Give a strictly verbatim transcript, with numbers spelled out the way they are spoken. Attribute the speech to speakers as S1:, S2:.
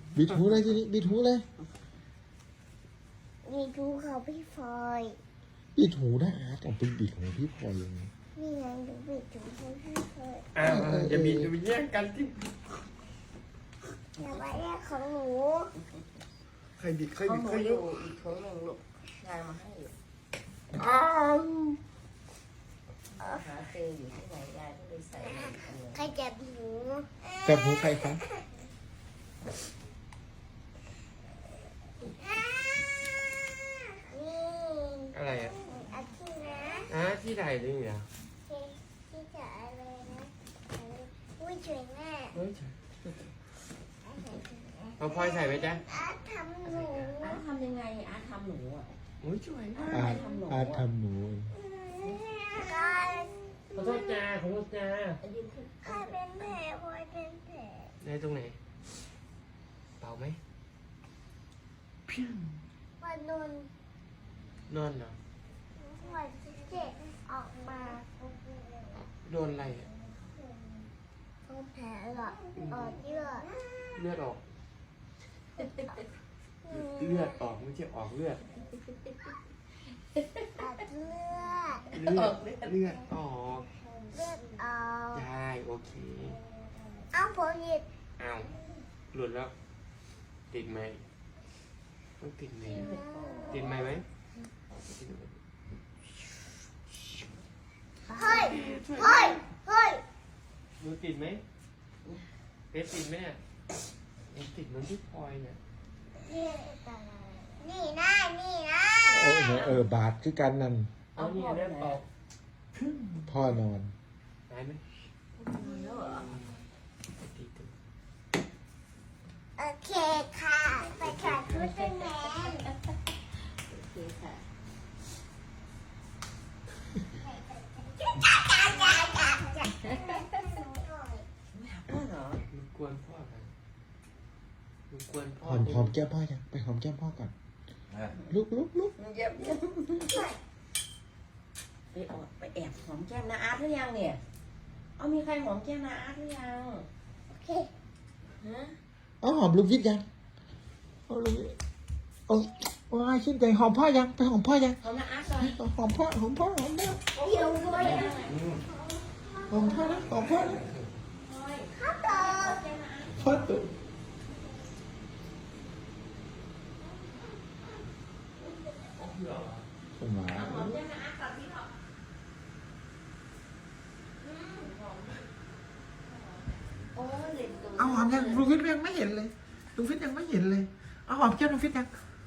S1: บิดหูเลยทีนี้บิดหูเลย
S2: มีดูเขาพี่ฟอย
S1: บิดหูนะอาร์ตเอาไปบิดหูพี่พลอยยังไง
S2: นี่ไงดูบิดดูเขาพี่ฟอย
S3: อ้าวจะบินจะไปแย่งกันที่
S2: อย่าไปแยกของหนู
S3: ใครบิดใคร
S4: เขา
S3: บิด
S4: หนู
S3: ใคร
S4: อ
S3: ยุ
S4: ยู่อีกถุงหนึ่งลูกยายมาให้อยู่
S3: อ้าว
S4: หาเจออยู่ที่ไหนยายก็เลยใส่ให้อีกอันหนึ่ง
S2: ใครจับหนู
S1: จับหูใครคะ
S2: นี่
S3: อะไรอ่ะ
S2: อาทิตย์นะ
S3: อ่ะที่ไหนนี่เหรอ
S2: ที่ที่จะอะไรนะอุ้ยสวยมาก
S3: เฮ้ยเอาพลอยใส่ไหมจ๊ะ
S2: อาทำหนู
S4: อาร์ตทำยังไงอาร์ตทำหนูอ่ะ
S3: โอ้ยสวยมาก
S1: อาร์ตอาร์ตทำหนู
S2: ก็
S3: ขอโทษจ้าขอโทษจ้า
S4: เอายืนขึ้น
S2: ใครเป็นแผลพอยเป็นแผล
S3: ได้ตรงไหนเป่าไหมพิ้ง
S2: วันนน
S3: นอนเหรอ
S2: วันที่เจ็ดออกมา
S3: โดนอะไรอ่ะ
S2: ต้องแผลหรอออกเยอะ
S3: เลือดออก เลือดออกไม่ใช่ออกเลือด
S2: อัดเลือด
S3: เลือดเลือดออก
S2: เลือดออก
S3: ได้โอเค
S2: เอาผมหยิบ
S3: อ้าวหลุดแล้ว ติดไหมต้องติดไหมติดไหมไหม
S2: เฮ้ยเฮ้ยเฮ้ย
S3: หนูติดไหมเพชรติดไหมเนี่ยยังติดเหมันที่พลอยเนี่ย
S2: นี่นะนี่นะ
S1: โอ้ยเออบาดคือกันนั่น
S3: เอานี่เลือดออก
S1: พ่อนอน
S3: หายไหม
S4: แล้วเหรอ
S3: ติดตัว
S2: โอเคค่ะไปขาดชุดเป็นแมน
S4: โอเคค่ะ
S2: จ้าจ้าจ้าจ้าจ้า
S4: ไม่หาพ่อเหรอ
S3: มันกวนพ่อกันมันกวนพ่
S1: ห
S3: อ
S1: อมหอมแก้มพ่อยังไปหอมแก้มพ่อก่อนลุกลุกลุก
S4: เยี่ยมเยี่ยมไปออดไปแอบหอมแก้มนาอาร์ตหรือยังเนี่ยเอามีใครหอมแก้มนาอาร์ตหรือยัง
S2: โอเค
S4: ฮะ
S1: เอาหอมลูกยิดยังเอาลูกยิดเอาว้ายชื่นใจหอมพ่อยังไปหอมพ่อยัง
S4: หอมนาอาร์ตก่อน
S1: หอมพ่อหอมพ่อหอมพ่อ
S2: เดี๋ยวด้วยนะ
S1: หอมพ่อนะหอมพ่อนะ
S2: ข้าวต่อ
S1: พ่อตุ๊ สมา
S4: หอมแก้มนาอาร์ตก่อนพี่หอม โอ้ยเด็กตัว
S1: เอาหอมยังลูกฟิตยังไม่เห็นเลยลูกฟิตยังไม่เห็นเลยเอาหอมแก้มลูกฟิตยัง
S4: ห